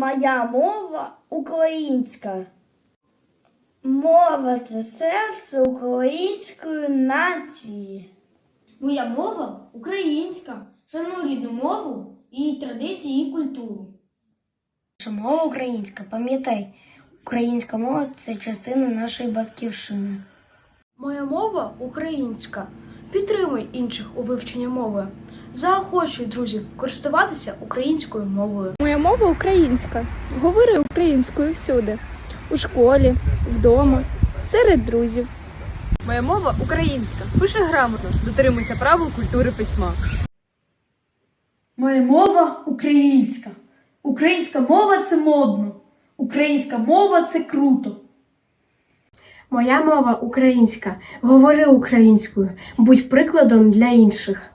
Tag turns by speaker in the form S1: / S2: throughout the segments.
S1: Моя мова українська. Мова – це серце української нації.
S2: Моя мова українська. Шаную рідну мову, її традиції і культуру.
S3: Наша мова українська. Пам'ятай, українська мова – це частина нашої батьківщини.
S4: Моя мова українська. Підтримуй інших у вивченні мови. Заохочуй друзів користуватися українською мовою.
S5: Моя мова українська. Говори українською всюди. У школі, вдома, серед друзів.
S6: Моя мова українська. Пиши грамотно, дотримуйся правил культури письма.
S7: Моя мова українська. Українська мова – це модно. Українська мова – це круто.
S4: Моя мова українська. Говори українською. Будь прикладом для інших.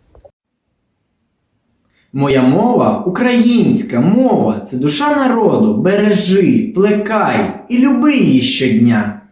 S8: Моя мова українська мова – це душа народу. Бережи, плекай і люби її щодня.